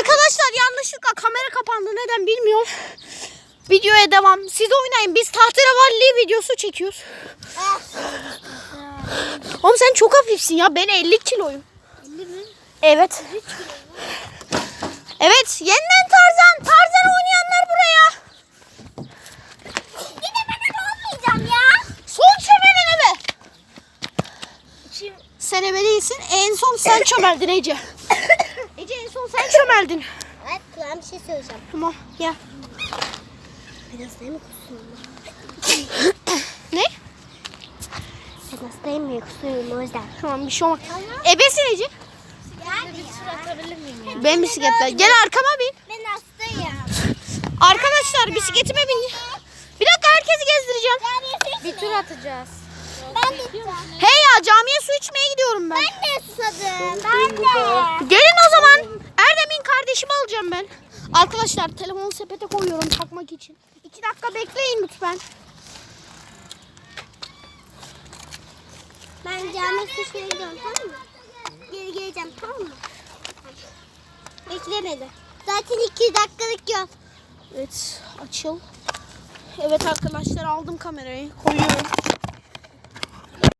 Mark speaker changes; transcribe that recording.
Speaker 1: Arkadaşlar yanlışlıkla kamera kapandı. Neden bilmiyorum. Videoya devam. Siz oynayın. Biz tahterevalli videosu çekiyoruz. Oğlum sen çok hafifsin ya. Ben 50 kiloyum.
Speaker 2: 50 mi?
Speaker 1: Evet. Evet. Yeniden Tarzan. Tarzan oynayanlar buraya.
Speaker 2: Yine ben olmayacağım ya.
Speaker 1: Son çömelen ebe. Sen ebe değilsin. En son sen çömeldin Ece. Ece en son sen çömeldin.
Speaker 2: Evet, kulağım bir şey söyleyeceğim.
Speaker 1: Tamam gel.
Speaker 2: Ben hastayım mı kusuyorum?
Speaker 1: Ne?
Speaker 2: Ben hastayım mı kusuyorum o yüzden.
Speaker 1: Tamam bir şey olmaz. Ebesin Ece.
Speaker 2: Yani bir tur atabilir miyim ya?
Speaker 1: Ben bisikletle. Gel arkama bin.
Speaker 2: Ben hastayım.
Speaker 1: Arkadaşlar bisikletime bin. Bir dakika herkesi gezdireceğim.
Speaker 2: Bir tur atacağız. Ben de gideceğim.
Speaker 1: Hey ya camiye su içmeye gidiyorum ben.
Speaker 2: Ben de susadım. Ben de.
Speaker 1: Gelin o zaman. Erdem'in kardeşimi alacağım ben. Arkadaşlar telefonu sepete koyuyorum takmak için. 2 dakika bekleyin lütfen.
Speaker 2: Ben cami suçmaya gidiyorum, tamam mı? Geri geleceğim, tamam mı? Bekle beni. Zaten 2 dakikalık yol.
Speaker 1: Evet açıl. Evet arkadaşlar aldım kamerayı koyuyorum.